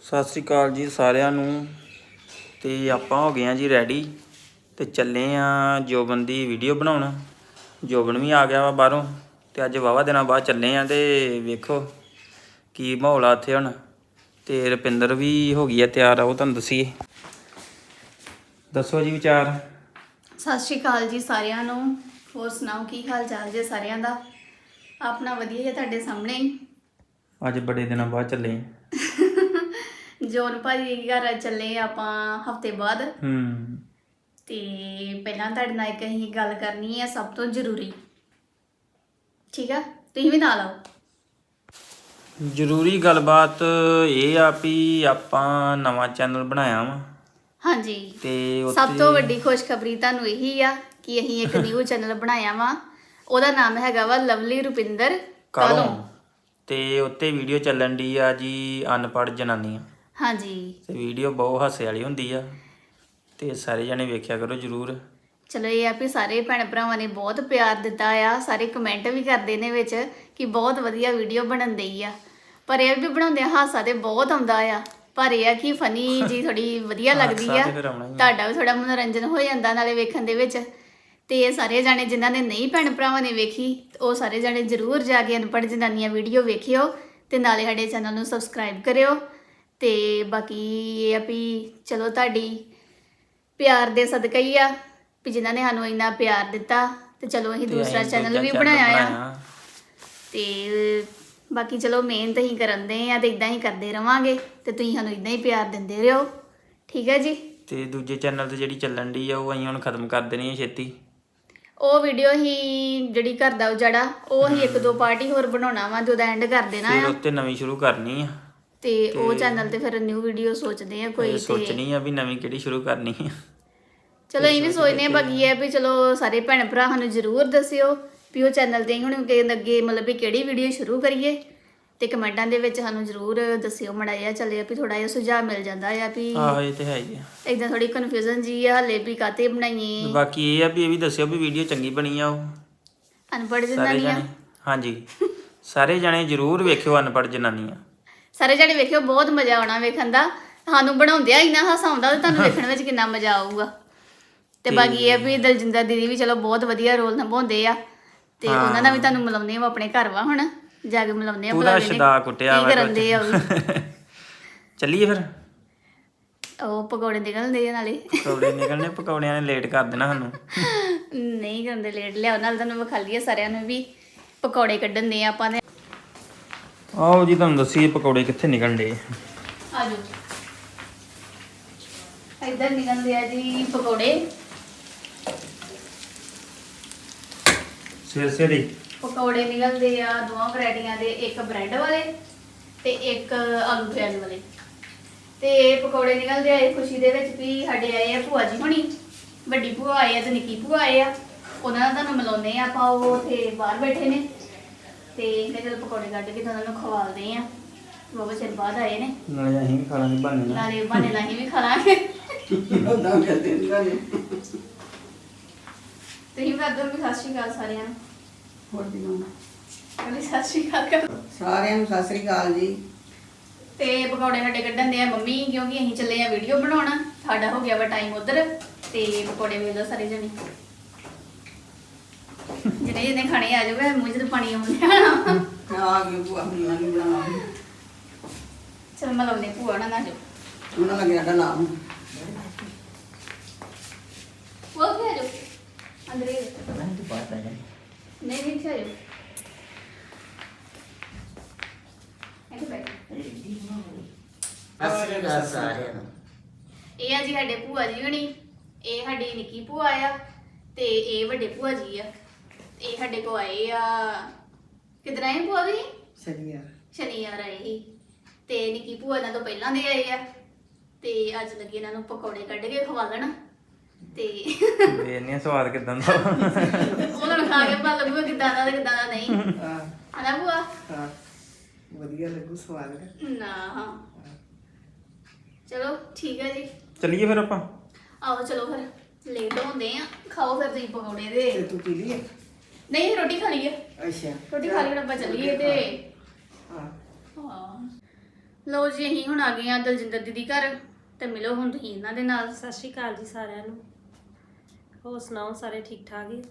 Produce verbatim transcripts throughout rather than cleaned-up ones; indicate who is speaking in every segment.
Speaker 1: ਸਤਿ ਸ਼੍ਰੀ ਅਕਾਲ ਜੀ ਸਾਰਿਆਂ ਨੂੰ। ਤੇ ਆਪਾਂ ਹੋ ਗਏ ਆ ਜੀ ਰੈਡੀ ਤੇ ਚੱਲੇ ਆ ਜੋਬਨ ਦੀ ਵੀਡੀਓ ਬਣਾਉਣ। ਜੋਬਨ ਵੀ ਆ ਗਿਆ ਵਾ ਬਾਹਰੋਂ ਤੇ ਅੱਜ ਵਾਹਵਾ ਦਿਨਾਂ ਬਾਅਦ ਚੱਲੇ ਆ ਤੇ ਵੇਖੋ ਕੀ ਮਾਹੌਲ ਆ ਇੱਥੇ ਹੁਣ। ਤੇ ਰੁਪਿੰਦਰ ਵੀ ਹੋ ਗਈ ਆ ਤਿਆਰ, ਉਹ ਤੁਹਾਨੂੰ ਦੱਸੀਏ। ਦੱਸੋ ਜੀ ਵਿਚਾਰ।
Speaker 2: ਸਤਿ ਸ਼੍ਰੀ ਅਕਾਲ ਜੀ ਸਾਰਿਆਂ ਨੂੰ। ਹੋਰ ਸੁਣਾਓ ਕੀ ਹਾਲ ਚਾਲ ਜੇ ਸਾਰਿਆਂ ਦਾ? ਆਪਣਾ ਵਧੀਆ ਜੇ ਤੁਹਾਡੇ ਸਾਹਮਣੇ ਹੀ। ਅੱਜ
Speaker 1: ਬੜੇ ਦਿਨਾਂ ਬਾਅਦ ਚੱਲੇ
Speaker 2: ਜੋਨ ਭਾਜੀ ਘਰ ਚੱਲੇ ਆਪਾਂ ਹਫਤੇ ਬਾਅਦ।
Speaker 1: ਹੂੰ
Speaker 2: ਤੇ ਪਹਿਲਾਂ ਤੁਹਾਡੇ ਨਾਲ ਇੱਕ ਅਸੀਂ ਗੱਲ ਕਰਨੀ ਹੈ ਸਭ ਤੋਂ ਜ਼ਰੂਰੀ, ਠੀਕ ਆ? ਤੁਸੀਂ ਵੀ ਨਾਲ ਆਓ।
Speaker 1: ਜ਼ਰੂਰੀ ਗੱਲਬਾਤ ਇਹ ਆ ਵੀ ਆਪਾਂ ਨਵਾਂ ਚੈਨਲ ਬਣਾਇਆ ਵਾ। ਹਾਂਜੀ। ਤੇ
Speaker 2: ਸਭ ਤੋਂ ਵੱਡੀ ਖੁਸ਼ਖਬਰੀ ਤੁਹਾਨੂੰ ਇਹੀ ਆ ਕਿ ਅਸੀਂ ਇੱਕ ਨਿਊ ਚੈਨਲ ਬਣਾਇਆ ਵਾ। ਉਹਦਾ ਨਾਮ ਹੈਗਾ ਵਾ ਲਵਲੀ ਰੁਪਿੰਦਰ ਕਾਲੋਂ।
Speaker 1: ਤੇ ਉੱਤੇ ਵੀਡੀਓ ਚੱਲਣ ਦੀ ਆ ਜੀ ਅਨਪੜ੍ਹ ਜਨਾਨੀਆਂ। ਹਾਂਜੀ। ਤੇ ਵੀਡੀਓ ਬਹੁਤ ਹਾਸੇ ਵਾਲੀ ਹੁੰਦੀ ਆ ਤੇ ਸਾਰੇ ਜਣੇ ਵੇਖਿਆ ਕਰੋ ਜ਼ਰੂਰ।
Speaker 2: ਚਲੋ ਇਹ ਆ ਵੀ ਸਾਰੇ ਭੈਣ ਭਰਾਵਾਂ ਨੇ ਬਹੁਤ ਪਿਆਰ ਦਿੱਤਾ ਆ, ਸਾਰੇ ਕਮੈਂਟ ਵੀ ਕਰਦੇ ਨੇ ਵਿੱਚ ਕਿ ਬਹੁਤ ਵਧੀਆ ਵੀਡੀਓ ਬਣਨ ਦਈ ਆ। ਪਰ ਇਹ ਵੀ ਬਣਾਉਂਦੇ ਆ ਹਾਸਾ ਤੇ ਬਹੁਤ ਆਉਂਦਾ ਆ, ਪਰ ਇਹ ਆ ਕਿ ਫਨੀ ਜੀ ਥੋੜੀ ਵਧੀਆ ਲੱਗਦੀ ਆ, ਤੁਹਾਡਾ ਵੀ ਥੋੜਾ ਮਨੋਰੰਜਨ ਹੋ ਜਾਂਦਾ ਨਾਲੇ ਵੇਖਣ ਦੇ ਵਿੱਚ। ਤੇ ਇਹ ਸਾਰੇ ਜਾਣੇ ਜਿਨ੍ਹਾਂ ਨੇ ਨਹੀਂ ਭੈਣ ਭਰਾਵਾਂ ਨੇ ਵੇਖੀ ਉਹ ਸਾਰੇ ਜਾਣੇ ਜ਼ਰੂਰ ਜਾ ਕੇ ਅਨਪੜ੍ਹ ਜਨਾਨੀਆਂ ਵੀਡੀਓ ਵੇਖਿਓ ਤੇ ਨਾਲੇ ਸਾਡੇ ਚੈਨਲ ਨੂੰ ਸਬਸਕ੍ਰਾਈਬ ਕਰਿਓ। ਤੇ ਬਾਕੀ ਇਹ ਆ ਵੀ ਚਲੋ ਤੁਹਾਡੀ ਪਿਆਰ ਦੇ ਸਦਕਾ ਹੀ ਆ ਵੀ ਜਿਨ੍ਹਾਂ ਨੇ ਸਾਨੂੰ ਇੰਨਾ ਪਿਆਰ ਦਿੱਤਾ ਤੇ ਚਲੋ ਅਸੀਂ ਦੂਸਰਾ ਚੈਨਲ ਵੀ ਬਣਾਇਆ ਆ। ਤੇ ਬਾਕੀ ਚਲੋ ਮਿਹਨਤ ਹੀ ਕਰਨ ਦੇ ਆ ਤੇ ਇਦਾਂ ਹੀ ਕਰਦੇ ਰਵਾਂਗੇ ਤੇ ਤੁਸੀਂ ਸਾਨੂੰ ਇਦਾਂ ਹੀ ਪਿਆਰ ਦਿੰਦੇ ਰਹੋ, ਠੀਕ ਹੈ ਜੀ? ਤੇ
Speaker 1: ਦੂਜੇ ਚੈਨਲ ਤੇ ਜਿਹੜੀ ਚੱਲਣ ਦੀ ਆ ਉਹ ਅਸੀਂ ਹੁਣ ਖਤਮ ਕਰ ਦੇਣੀ ਹੈ ਛੇਤੀ।
Speaker 2: ਉਹ ਵੀਡੀਓ ਹੀ ਜਿਹੜੀ ਘਰ ਦਾ ਉਜਾੜਾ ਉਹ ਹੀ ਇੱਕ ਦੋ ਪਾਰਟੀ ਹੋਰ ਬਣਾਉਣਾ ਵਾ, ਜਦੋਂ ਐਂਡ ਕਰ ਦੇਣਾ ਆ।
Speaker 1: ਫਿਰ ਉੱਤੇ ਨਵੀਂ ਸ਼ੁਰੂ ਕਰਨੀ ਆ
Speaker 2: ਤੇ ਉਹ ਚੈਨਲ ਤੇ ਫਿਰ ਨਿਊ ਵੀਡੀਓ ਸੋਚਦੇ ਆ ਕੋਈ।
Speaker 1: ਸੋਚਣੀ ਆ ਵੀ ਨਵੀਂ ਕਿਹੜੀ ਸ਼ੁਰੂ ਕਰਨੀ ਆ।
Speaker 2: ਚਲੋ ਇਹ ਵੀ ਸੋਚਦੇ ਆ। ਬਾਕੀ ਇਹ ਵੀ ਚਲੋ ਸਾਰੇ ਭੈਣ ਭਰਾ ਸਾਨੂੰ ਜ਼ਰੂਰ ਦੱਸਿਓ ਵੀ ਉਹ ਚੈਨਲ ਤੇ ਹੁਣ ਅੱਗੇ ਮਤਲਬ ਵੀ ਕਿਹੜੀ ਵੀਡੀਓ ਸ਼ੁਰੂ ਕਰੀਏ ਤੇ ਕਮੈਂਟਾਂ ਦੇ ਵਿੱਚ ਸਾਨੂੰ ਜ਼ਰੂਰ ਦੱਸਿਓ। ਮਾੜਾ ਜਿਹਾ ਚੱਲੇ ਵੀ ਥੋੜਾ ਜਿਹਾ ਸੁਝਾਅ ਮਿਲ ਜਾਂਦਾ ਆ ਵੀ
Speaker 1: ਆਹੋ ਇਹ ਤੇ ਹੈ ਹੀ ਆ।
Speaker 2: ਏਦਾਂ ਥੋੜੀ ਕਨਫਿਊਜ਼ਨ ਜੀ ਆ ਹਲੇ ਵੀ ਕਾਤੇ ਬਣਾਈਏ।
Speaker 1: ਬਾਕੀ ਇਹ ਆ ਵੀ ਇਹ ਵੀ ਦੱਸਿਓ ਵੀ ਵੀਡੀਓ ਚੰਗੀ ਬਣੀ ਆ। ਉਹ
Speaker 2: ਅਨਪੜ੍ਹ ਜਨਾਨੀਆਂ।
Speaker 1: ਹਾਂਜੀ ਸਾਰੇ ਜਾਣੇ ਜ਼ਰੂਰ ਵੇਖਿਓ ਅਨਪੜ੍ਹ ਜਨਾਨੀਆਂ।
Speaker 2: ਸਾਰੇ ਜਾਣੇ ਵੇਖਿਓ, ਬਹੁਤ ਮਜ਼ਾ ਆਉਣਾ ਵੇਖਣ ਦਾ। ਸਾਨੂੰ ਬਣਾਉਂਦਿਆਂ ਇੰਨਾ ਹਾਸਾ ਆਉਂਦਾ ਤੇ ਤੁਹਾਨੂੰ ਵੇਖਣ ਵਿੱਚ ਕਿੰਨਾ ਮਜ਼ਾ ਆਊਗਾ। ਤੇ ਬਾਕੀ ਇਹ ਵੀ ਦਲਜਿੰਦਰ ਦੀਦੀ ਵੀ ਚਲੋ ਬਹੁਤ ਵਧੀਆ ਰੋਲ ਨਿਭਾਉਂਦੇ ਆ ਤੇ ਉਹਨਾਂ ਦਾ ਵੀ ਤੁਹਾਨੂੰ ਮਿਲਾਉਂਦੇ ਆ। ਆਪਣੇ ਘਰ ਵਾ ਹੁਣ ਜਾ ਕੇ ਮਿਲਾਉਂਦੇ ਆ।
Speaker 1: ਪੂਰਾ ਸ਼ਦਾ ਕੁੱਟਿਆ
Speaker 2: ਕੀ ਕਰਨ ਦੇ ਆ ਉਹ
Speaker 1: ਚੱਲੀਏ ਫਿਰ।
Speaker 2: ਉਹ ਪਕੌੜੇ ਨਿਕਲਦੇ ਆ ਨਾਲੇ।
Speaker 1: ਪਕੌੜੇ ਨਿਕਲਣੇ, ਪਕੌੜਿਆਂ ਨੇ ਲੇਟ ਕਰ ਦੇਣਾ ਸਾਨੂੰ।
Speaker 2: ਨਹੀਂ ਕਰਦੇ ਲੇਟ, ਲਿਆਓ ਨਾਲ ਤੁਹਾਨੂੰ ਵਿਖਾ ਲਈਏ ਸਾਰਿਆਂ ਨੂੰ ਵੀ ਪਕੌੜੇ ਕੱਢਣ ਦੇ ਆ ਆਪਾਂ ਨੇ।
Speaker 1: ਆਓ ਜੀ ਤੁਹਾਨੂੰ ਦੱਸੀਏ ਪਕੌੜੇ ਕਿੱਥੇ ਨਿਕਲਣ ਦੇ।
Speaker 2: ਆ ਜਾਓ, ਇੱਧਰ ਨਿਕਲਦੇ ਆ ਜੀ ਪਕੌੜੇ।
Speaker 1: ਸਿਰ ਸਿਰੇ
Speaker 2: ਪਕੌੜੇ ਨਿਕਲਦੇ ਆ ਦੋਵਾਂ ਵੈਰਾਈਟੀਆਂ ਦੇ, ਇੱਕ ਬ੍ਰੈਡ ਵਾਲੇ ਤੇ ਇੱਕ ਆਲੂ ਪਿਆਜ਼ ਵਾਲੇ। ਤੇ ਪਕੌੜੇ ਨਿਕਲਦੇ ਆ ਇਹ ਖੁਸ਼ੀ ਦੇ ਵਿੱਚ ਵੀ ਸਾਡੇ ਆਏ ਆ ਭੂਆ ਜੀ ਹੋਣੀ, ਵੱਡੀ ਭੂਆ ਆਏ ਆ ਤੇ ਨਿੱਕੀ ਭੂਆ ਆਏ ਆ। ਉਹਨਾਂ ਦਾ ਤੁਹਾਨੂੰ ਮਿਲਾਉਂਦੇ ਆ ਆਪਾਂ। ਉਹ ਉੱਥੇ ਬਾਹਰ ਬੈਠੇ ਨੇ ਤੇ ਮੈਂ ਚਲ ਪਕੌੜੇ ਕੱਢ ਕੇ ਉਹਨਾਂ ਨੂੰ ਖਵਾਲਦੇ ਆ। ਬਾਬਾ ਚਿਰ ਬਾਅਦ ਆਏ ਨੇ,
Speaker 1: ਨਾਲੇ ਅਸੀਂ ਵੀ ਖਾ ਲਾਂਗੇ ਬਹਾਨੇ ਨਾਲ।
Speaker 2: ਨਾਲੇ ਬਹਾਨੇ ਨਾਲ ਅਸੀਂ ਵੀ ਖਾ ਲਾਂਗੇ। ਤੁਸੀਂ ਵੀ ਅੱਧਰ ਵੀ ਸਤਿ ਸ਼੍ਰੀ ਅਕਾਲ ਸਾਰਿਆਂ ਨੂੰ।
Speaker 3: ਹੋਰ ਦੀ ਮਾਂ
Speaker 2: ਕਹਿੰਦੇ ਸਤਿ ਸ਼੍ਰੀ ਅਕਾਲ
Speaker 3: ਸਾਰਿਆਂ ਨੂੰ। ਸਤਿ ਸ੍ਰੀ ਅਕਾਲ ਜੀ।
Speaker 2: ਤੇ ਪਕੌੜੇ ਸਾਡੇ ਕੱਢਣ ਦੇ ਆ ਮੰਮੀ, ਕਿਉਂਕਿ ਅਸੀਂ ਚੱਲੇ ਆ ਵੀਡੀਓ ਬਣਾਉਣਾ। ਸਾਡਾ ਹੋ ਗਿਆ ਵਾ ਟਾਈਮ ਉਧਰ ਤੇ ਪਕੌੜੇ ਵੇਖ ਲਓ ਸਾਰੇ ਜਣੇ ਜਿਹੜੇ ਜਿਹਨੇ ਖਾਣੇ ਆ ਜਾਵੇ। ਮੂੰਹ 'ਚ ਤਾਂ ਪਾਣੀ ਆਉਂਦਾ
Speaker 3: ਆ ਗਏ ਭੂਆ ਹੁਣਾਂ ਨੂੰ ਬਣਾਉਣਾ।
Speaker 2: ਚਲ ਮੈਂ ਲਾਉਂਦੇ ਭੂਆ ਨਾਲ ਨਾ ਜਾਓ।
Speaker 3: ਉਹਨਾਂ ਲੱਗਿਆ ਸਾਡਾ ਨਾਮ।
Speaker 2: ਉਹ ਕੀ ਆ ਜਾਓ ਅੰਦਰ ਹੀ। ਨਹੀਂ ਨਹੀਂ ਇੱਥੇ ਆ ਜਾਓ। ਇੱਥੇ ਬੈਠੋ। ਇਹ ਆ ਜੀ ਸਾਡੇ ਭੂਆ ਜੀ ਹੋਣੀ, ਇਹ ਸਾਡੀ ਨਿੱਕੀ ਭੂਆ ਆ ਤੇ ਇਹ ਵੱਡੇ ਭੂਆ ਜੀ ਆ। ਇਹ ਸਾਡੇ ਕੋ ਆਏ ਆ, ਕਿੱਧਰ ਆਏ ਭੂਆ ਜੀ?
Speaker 3: ਸ਼ਨੀਵਾਰ
Speaker 2: ਸ਼ਨੀਵਾਰ ਆਏ ਸੀ ਤੇ ਨਿੱਕੀ ਭੂਆ ਇਹਨਾਂ ਤੋਂ ਪਹਿਲਾਂ ਦੇ ਆਏ ਆ ਤੇ ਅੱਜ ਲੱਗੇ ਇਹਨਾਂ ਨੂੰ ਪਕੌੜੇ ਕੱਢ ਕੇ ਖਵਾਲਣ। ਤੇ
Speaker 1: ਵੇਖਨੇ ਸਵਾਦ ਕਿਦਾਂ ਦਾ
Speaker 2: ਉਹਨਾਂ ਨੂੰ ਖਾ ਕੇ ਪਤਾ ਲੱਗੂਗਾ ਕਿਦਾਂ ਦਾ ਤੇ ਕਿਦਾਂ ਦਾ ਨਹੀਂ।
Speaker 3: ਹਾਂ
Speaker 2: ਹਨਾ ਭੂਆ?
Speaker 3: ਹਾਂ ਵਧੀਆ ਲੱਗੂ, ਸਵਾਦ
Speaker 2: ਨਾ। ਹਾਂ ਚਲੋ ਠੀਕ ਹੈ ਜੀ,
Speaker 1: ਚੱਲੀਏ ਫਿਰ ਆਪਾਂ।
Speaker 2: ਆਓ ਚਲੋ ਫਿਰ ਲੇਟ ਹੁੰਦੇ ਆ। ਖਾਓ ਫਿਰ ਤੁਸੀਂ ਪਕੌੜੇ ਦੇ।
Speaker 3: ਤੇ ਤੂੰ ਪੀ ਲਈ?
Speaker 2: ਨਹੀਂ ਰੋਟੀ ਖਾ ਲਈ ਹੈ।
Speaker 3: ਅੱਛਾ
Speaker 2: ਰੋਟੀ ਖਾ ਲਈ ਹੁਣ ਆਪਾਂ ਚੱਲੀਏ ਤੇ
Speaker 3: ਹਾਂ
Speaker 2: ਹਾਂ ਲਓ ਜੀ ਅਸੀਂ ਹੁਣ ਆ ਗਏ ਆ ਦਲਜਿੰਦਰ ਦੀਦੀ ਘਰ ਤੇ ਮਿਲੋ ਹੁਣ ਤੁਸੀਂ ਇਹਨਾਂ ਦੇ ਨਾਲ।
Speaker 4: ਸਤਿ ਸ਼੍ਰੀ ਅਕਾਲ ਜੀ ਸਾਰਿਆਂ ਨੂੰ। ਹੋਰ ਸੁਣਾਓ, ਸਾਰੇ ਠੀਕ ਠਾਕ ਹੀ?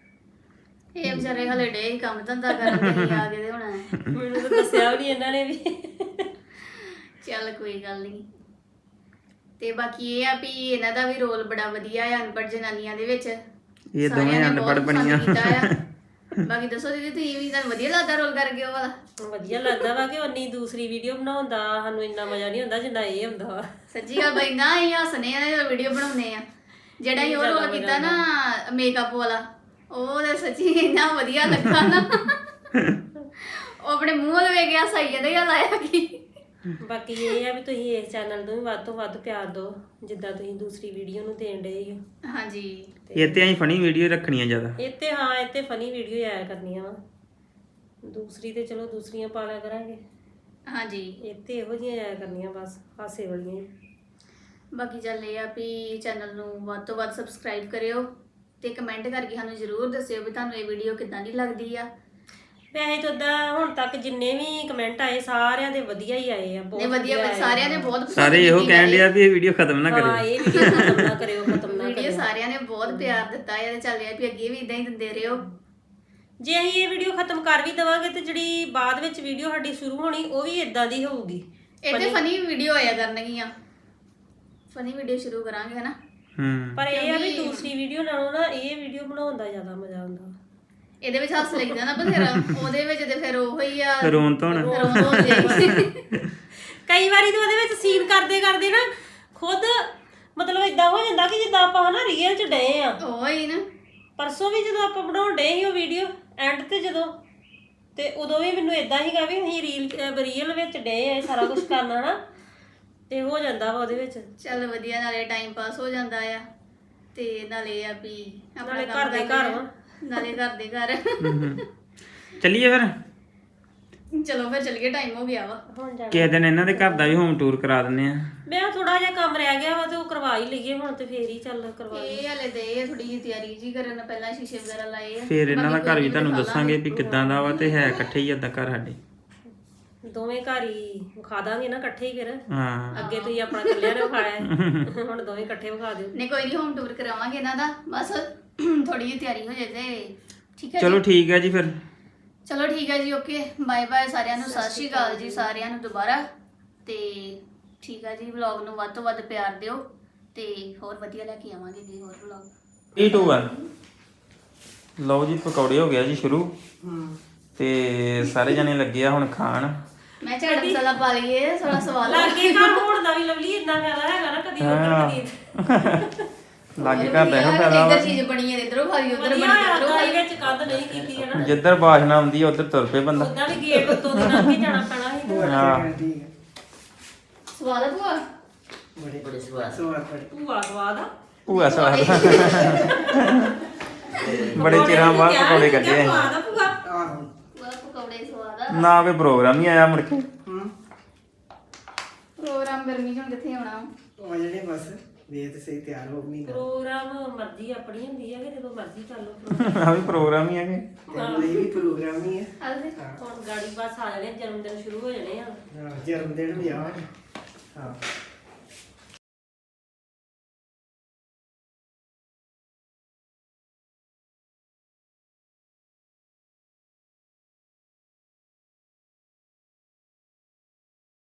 Speaker 2: ਇਹ ਵਿਚਾਰੇ ਹਲੇ ਡੇ ਹੀ ਕੰਮ ਧੰਦਾ ਕਰਨ ਤੇ ਆ ਗਏ ਤੇ ਹੁਣ
Speaker 4: ਮੈਨੂੰ ਤਾਂ ਦੱਸਿਆ ਵੀ ਨਹੀਂ ਇਹਨਾਂ ਨੇ ਵੀ।
Speaker 2: ਚੱਲ ਕੋਈ ਗੱਲ ਨਹੀਂ। ਤੇ ਬਾਕੀ ਇਹ ਆ ਵੀ ਇਹਨਾਂ ਦਾ ਵੀ ਰੋਲ ਬੜਾ ਵਧੀਆ ਆ ਅਨਪੜ੍ਹ ਜਨਾਨੀਆਂ ਦੇ ਵਿੱਚ।
Speaker 1: ਇਹ
Speaker 2: ਸਾਰਿਆਂ
Speaker 1: ਦੋਵੇਂ
Speaker 2: ਨੇ
Speaker 1: ਅਨਪੜ੍ਹ
Speaker 2: ਬਹੁਤ ਪਸੰਦ
Speaker 1: ਬਣੀਆਂ।
Speaker 2: ਕੀਤਾ ਆ। ਬਾਕੀ ਦੱਸੋ ਦੀਦੀ ਤੁਸੀਂ ਵੀ ਤੁਹਾਨੂੰ ਵਧੀਆ ਲੱਗਦਾ ਰੋਲ ਕਰਕੇ ਉਹ ਵਾਲਾ?
Speaker 4: ਵਧੀਆ ਲੱਗਦਾ ਵਾ ਕਿ ਉਨੀ ਦੂਸਰੀ ਵੀਡੀਓ ਬਣਾਉਣ ਦਾ ਸਾਨੂੰ ਇੰਨਾ ਮਜ਼ਾ ਨਹੀਂ ਹੁੰਦਾ ਜਿੰਨਾ ਇਹ ਹੁੰਦਾ ਵਾ।
Speaker 2: ਸੱਚੀ ਗੱਲ ਬਈ ਨਾ ਇਹ ਹੱਸਨੇ ਆ ਵੀਡੀਓ ਬਣਾਉਂਦੇ ਆ। ਜਿਹੜਾ ਹੀ ਉਹ ਰੋਲ ਕੀਤਾ ਨਾ ਮੇਕਅਪ ਵਾਲਾ, ਉਹ ਤਾਂ ਸੱਚੀ ਇੰਨਾ ਵਧੀਆ ਲੱਗਾ ਨਾ। ਉਹ ਆਪਣੇ ਮੂੰਹ ਵੱਲ ਵੇਖ ਗਿਆ ਸਹੀ ਇਹਦੇ ਗੱਲ ਆਇਆ ਕਿ
Speaker 4: ਬਾਕੀ ਇਹ ਆ ਵੀ ਤੁਸੀਂ ਇਸ ਚੈਨਲ ਨੂੰ ਵੀ ਵੱਧ ਤੋਂ ਵੱਧ ਪਿਆਰ ਦਿਓ ਜਿੱਦਾਂ ਤੁਸੀਂ ਦੂਸਰੀ ਵੀਡੀਓ ਨੂੰ ਦੇਣ ਡਏ ਹੋ।
Speaker 2: ਹਾਂਜੀ
Speaker 1: ਇਹ ਤੇ ਅਸੀਂ ਫਨੀ ਵੀਡੀਓ ਰੱਖਣੀਆਂ ਜ਼ਿਆਦਾ।
Speaker 4: ਇੱਥੇ ਹਾਂ ਇੱਥੇ ਫਨੀ ਵੀਡੀਓ ਆਇਆ ਕਰਨੀਆਂ ਵਾ। ਦੂਸਰੀ ਤੇ ਚਲੋ ਦੂਸਰੀਆਂ ਪਾ ਲਿਆ ਕਰਾਂਗੇ।
Speaker 2: ਹਾਂਜੀ
Speaker 4: ਇੱਥੇ ਇਹੋ ਜਿਹੀਆਂ ਆਇਆ ਕਰਨੀਆਂ ਬਸ ਹਾਸੇ ਵਾਲੀਆਂ ਹੀ।
Speaker 2: ਬਾਕੀ ਚੱਲ ਇਹ ਆ ਵੀ ਚੈਨਲ ਨੂੰ ਵੱਧ ਤੋਂ ਵੱਧ ਸਬਸਕ੍ਰਾਈਬ ਕਰਿਓ ਤੇ ਕਮੈਂਟ ਕਰਕੇ ਸਾਨੂੰ ਜ਼ਰੂਰ ਦੱਸਿਓ ਵੀ ਤੁਹਾਨੂੰ ਇਹ ਵੀਡੀਓ ਕਿੱਦਾਂ ਦੀ ਲੱਗਦੀ ਆ।
Speaker 4: ਵੈਸੇ ਤਾਂ ਉਦਾਂ ਹੁਣ ਤੱਕ ਜਿੰਨੇ ਵੀ ਕਮੈਂਟ ਆਏ ਸਾਰਿਆਂ ਦੇ ਵਧੀਆ ਹੀ ਆਏ ਆ।
Speaker 2: ਨੇ
Speaker 4: ਬਹੁਤ
Speaker 2: ਵਧੀਆ
Speaker 4: ਆਏ ਆ।
Speaker 2: ਸਾਰਿਆਂ ਨੇ ਬਹੁਤ ਪਸੰਦ
Speaker 1: ਸਾਰੇ ਇਹੋ ਕਹਿਣ ਡਿਆ ਵੀ ਇਹ ਵੀਡੀਓ ਖਤਮ ਨਾ
Speaker 4: ਹਾਂ
Speaker 1: ਕਰਿਓ।
Speaker 4: ਇਹ ਵੀਡੀਓ ਖਤਮ ਨਾ ਕਰਿਓ ਖਤਮ ਨਾ
Speaker 2: ਵੀਡੀਓ
Speaker 4: ਕਰਿਓ।
Speaker 2: ਸਾਰਿਆਂ ਨੇ ਬਹੁਤ ਪਿਆਰ ਦਿੱਤਾ ਹੈ ਤੇ ਚੱਲ ਰਿਹਾ ਵੀ ਅੱਗੇ ਵੀ ਇਦਾਂ ਹੀ ਦਿੰਦੇ ਰਹੋ।
Speaker 4: ਜੇ ਅਸੀਂ ਇਹ ਵੀਡੀਓ ਖਤਮ ਕਰ ਵੀ ਦਵਾਂਗੇ ਤੇ ਜਿਹੜੀ ਬਾਅਦ ਵਿੱਚ ਵੀਡੀਓ ਸਾਡੀ ਸ਼ੁਰੂ ਹੋਣੀ ਉਹ ਵੀ ਇਦਾਂ ਦੀ ਹੋਊਗੀ।
Speaker 2: ਇਹਦੇ ਫਨੀ ਵੀਡੀਓ ਆਇਆ ਕਰਨਗੀਆਂ। ਫਨੀ ਵੀਡੀਓ ਸ਼ੁਰੂ ਕਰਾਂਗੇ ਹਨਾ।
Speaker 1: ਹੂੰ
Speaker 4: ਪਰ ਇਹ ਆ ਵੀ ਦੂਸਰੀ ਵੀਡੀਓ ਨਾਲੋਂ ਨਾ ਇਹ ਵੀਡੀਓ ਬਣਾਉਣ ਦਾ ਜ਼ਿਆਦਾ ਮਜ਼ਾ ਆਉਂਦਾ।
Speaker 2: ਇਹਦੇ ਵਿੱਚ ਹੱਸ ਲੱਗਦਾ ਨਾ ਬਥੇਰਾ, ਉਹਦੇ ਵਿੱਚ ਤੇ ਫਿਰ ਉਹ ਹੀ ਆ
Speaker 1: ਰੋਣ ਧੋਣ।
Speaker 2: ਰੋਣ ਹੋ ਜਾਏਗੀ।
Speaker 4: ਕਈ ਵਾਰੀ ਤਾਂ ਉਹਦੇ ਵਿੱਚ ਸੀਨ ਕਰਦੇ ਕਰਦੇ ਨਾ ਖੁਦ ਮਤਲਬ ਇਦਾਂ ਹੋ ਜਾਂਦਾ ਕਿ ਜਿੱਦਾਂ ਆਪਾਂ ਹਨਾ ਰੀਅਲ 'ਚ ਡਏ ਆ।
Speaker 2: ਉਹ ਹੀ ਨਾ
Speaker 4: ਪਰਸੋਂ ਵੀ ਜਦੋਂ ਆਪਾਂ ਬਣਾਉਣ ਡਏ ਸੀ ਉਹ ਵੀਡੀਓ ਐਂਡ ਤੇ ਜਦੋਂ ਤੇ ਉਦੋਂ ਵੀ ਮੈਨੂੰ ਇਦਾਂ ਹੀਗਾ ਵੀ ਅਸੀਂ ਰੀਲ ਰੀਅਲ ਵਿੱਚ ਡਏ ਆ ਇਹ ਸਾਰਾ ਕੁਝ ਕਰਨਾ ਨਾ ਤੇ ਹੋ ਜਾਂਦਾ ਵਾ ਉਹਦੇ ਵਿੱਚ।
Speaker 2: ਚੱਲ ਵਧੀਆ, ਨਾਲੇ ਟਾਈਮ ਪਾਸ ਹੋ ਜਾਂਦਾ ਆ ਤੇ ਨਾਲੇ ਆ ਵੀ ਆਪਣਾ
Speaker 4: ਨਾਲੇ
Speaker 2: ਕੰਮ
Speaker 4: ਘਰ ਦੇ
Speaker 2: ਕਰ
Speaker 4: ਘਰ
Speaker 2: ਲੈਂਦੇ
Speaker 4: ਵਾ।
Speaker 2: ਨਾਲੇ ਘਰ ਦੇ ਘਰ।
Speaker 1: ਚੱਲੀਏ ਫਿਰ
Speaker 2: ਚਲੋ ਫਿਰ ਚੱਲੀਏ, ਟਾਈਮ ਹੋ ਗਿਆ ਵਾ।
Speaker 4: ਹੁਣ ਜਾਣਾ
Speaker 1: ਕਿਸੇ ਦਿਨ ਇਹਨਾਂ ਦੇ ਘਰ ਦਾ ਵੀ ਹੋਮ ਟੂਰ ਕਰਾ ਦਿੰਦੇ ਆ।
Speaker 4: ਮੈਂ ਥੋੜਾ ਜਿਹਾ ਕੰਮ ਰਹਿ ਗਿਆ ਵਾ ਤੇ ਉਹ ਕਰਵਾ ਹੀ ਲਈਏ ਹੁਣ ਤੇ ਫੇਰ ਹੀ ਚੱਲ ਕਰਵਾ ਲਈਏ।
Speaker 2: ਇਹ ਹਲੇ ਦੇ ਥੋੜੀ ਜਿਹੀ ਤਿਆਰੀ ਜੀ ਕਰਨ, ਪਹਿਲਾਂ ਸ਼ੀਸ਼ੇ ਵਗੈਰਾ ਲਾਏ ਆ।
Speaker 1: ਫਿਰ ਇਹਨਾਂ ਦਾ
Speaker 2: ਬਾਕੀ
Speaker 1: ਘਰ
Speaker 2: ਕੋਈ
Speaker 1: ਵੀ
Speaker 2: ਨੀ
Speaker 1: ਤੁਹਾਨੂੰ
Speaker 2: ਦਿਖਾ
Speaker 1: ਦੱਸਾਂਗੇ ਵੀ ਕਿੱਦਾਂ ਦਾ ਵਾ ਤੇ ਹੈ ਇਕੱਠੇ ਹੀ ਏਦਾਂ ਘਰ ਸਾਡੇ।
Speaker 4: ਦੋਵੇਂ ਘਰ ਹੀ ਵਿਖਾ ਦਾਂਗੇ ਨਾ ਇਕੱਠੇ ਹੀ ਫਿਰ।
Speaker 1: ਹਾਂ
Speaker 4: ਅੱਗੇ ਤੁਸੀਂ ਆਪਣਾ ਇਕੱਲਿਆਂ ਨੇ ਵਿਖਾਇਆ ਹੈ, ਹੁਣ ਦੋਵੇਂ ਇਕੱਠੇ ਵਿਖਾ ਦਿਓ।
Speaker 2: ਨਹੀਂ ਕੋਈ ਨਹੀਂ, ਹੋਮ ਟੂਰ ਕਰਾਵਾਂਗੇ ਇਹਨਾਂ ਦਾ, ਬਸ ਥੋੜੀ ਜਿਹੀ ਤਿਆਰੀ ਹੋ ਜਾਏ ਤੇ ਠੀਕ ਹੈ
Speaker 1: ਚਲੋ
Speaker 2: ਜੀ।
Speaker 1: ਠੀਕ ਹੈ ਜੀ ਫਿਰ।
Speaker 2: ਚਲੋ ਠੀਕ ਹੈ ਜੀ, ਓਕੇ ਬਾਏ ਬਾਏ ਸਾਰਿਆਂ ਨੂੰ। ਸਤਿ ਸ਼੍ਰੀ ਅਕਾਲ ਜੀ ਸਾਰਿਆਂ ਨੂੰ ਦੁਬਾਰਾ। ਤੇ ਠੀਕ ਹੈ ਜੀ, ਵਲੌਗ ਨੂੰ ਵੱਧ ਤੋਂ ਵੱਧ ਪਿਆਰ ਦਿਓ ਤੇ ਹੋਰ ਵਧੀਆ ਲੈ ਕੇ ਆਵਾਂਗੇ ਜੀ ਹੋਰ ਵਲੌਗ।
Speaker 1: Three two one. ਲਓ ਜੀ ਪਕੌੜੇ ਹੋ ਗਿਆ ਜੀ ਸ਼ੁਰੂ
Speaker 3: ਹੂੰ
Speaker 1: ਤੇ ਸਾਰੇ ਜਣੇ ਲੱਗੇ ਆ ਹੁਣ ਖਾਣ।
Speaker 2: ਮੈਂ ਝਾੜ ਮਸਾਲਾ ਪਾ ਲਈਏ, ਥੋੜਾ ਸਵਾਦ
Speaker 4: ਲਾਗੇ ਘਰ ਹੋਣ ਦਾ ਵੀ ਲਵਲੀ ਇਦਾਂ ਫਾਇਦਾ ਹੈਗਾ ਨਾ, ਕਦੀ ਉਧਰ ਕਦੀ
Speaker 1: ਲਾਗੇ ਘਰ ਦਾ ਇਹੋ ਫਾਇਦਾ ਵਾ।
Speaker 2: ਇੱਧਰ ਚੀਜ਼ ਬਣੀ ਹੈ ਇਧਰੋਂ ਖਾ ਲਈ, ਉਧਰ ਬਣੀ
Speaker 4: ਵਧੀਆ
Speaker 2: ਇਧਰੋਂ ਖਾ
Speaker 4: ਰੋਈ
Speaker 2: ਲਈ।
Speaker 4: ਵਿੱਚ ਕੱਦ ਨਹੀਂ ਕੀਤੀ ਹੈ ਨਾ।
Speaker 1: ਜਿੱਧਰ ਬਾਸ਼ਨਾ ਆਉਂਦੀ ਆ ਉੱਧਰ ਤੁਰ ਪਏ ਬੰਦਾ।
Speaker 4: ਉਦਾਂ ਵੀ ਗੇਟ ਉੱਤੋਂ ਦੀ ਲੰਘ ਕੇ ਜਾਣਾ ਪੈਣਾ ਸੀ।
Speaker 1: ਹਾਂ
Speaker 3: ਠੀਕ ਹੈ।
Speaker 2: ਸਵਾਦ ਆ ਭੂਆ?
Speaker 3: ਬੜੇ ਬੜੇ ਸਵਾਦ ਸਵਾਦ ਬੜੇ।
Speaker 4: ਭੂਆ ਸਵਾਦ ਆ।
Speaker 1: ਭੂਆ ਸਵਾਦ ਬੜੇ ਚਿਰਾਂ ਬਾਅਦ ਪਕੌੜੇ ਕੱਢੇ ਆ।
Speaker 4: ਸਵਾਦ ਆ ਭੂਆ।
Speaker 3: ਆਹੋ
Speaker 2: ਭੂਆ ਪਕੌੜੇ ਸਵਾਦ ਆ।
Speaker 1: ਨਾ ਕੋਈ ਪ੍ਰੋਗਰਾਮ ਹੀ ਆਇਆ ਮੁੜ ਕੇ।
Speaker 3: ਹੂੰ
Speaker 2: ਪ੍ਰੋਗਰਾਮ ਗਰਮੀ ਚ ਹੁਣ ਕਿੱਥੇ ਆਉਣਾ।
Speaker 3: ਉਹ ਜਿਹੜੇ ਬਸ ਵੇਖ ਤੇ ਸਹੀ ਤਿਆਰ ਹੋ ਮਹੀਨਾ।
Speaker 4: ਪ੍ਰੋਗਰਾਮ ਮਰਜ਼ੀ ਆਪਣੀ ਹੁੰਦੀ ਹੈ ਕਿ ਜਦੋਂ ਮਰਜ਼ੀ ਕਰ ਲਓ ਪ੍ਰੋਗਰਾਮ।
Speaker 1: ਆ ਵੀ ਪ੍ਰੋਗਰਾਮ ਹੀ ਹੈਗੇ।
Speaker 3: ਤੇ ਇਹ ਵੀ ਪ੍ਰੋਗਰਾਮ ਹੀ ਹੈ।
Speaker 2: ਹਲਦੇ
Speaker 4: ਹੁਣ ਗਾੜੀ ਬਸ ਆ ਜਾਣੇ, ਜਨਮ ਦਿਨ ਸ਼ੁਰੂ ਹੋ ਜਾਣੇ ਆ।
Speaker 3: ਹਾਂ ਜਨਮ ਦਿਨ ਵੀ ਆ। ਹਾਂ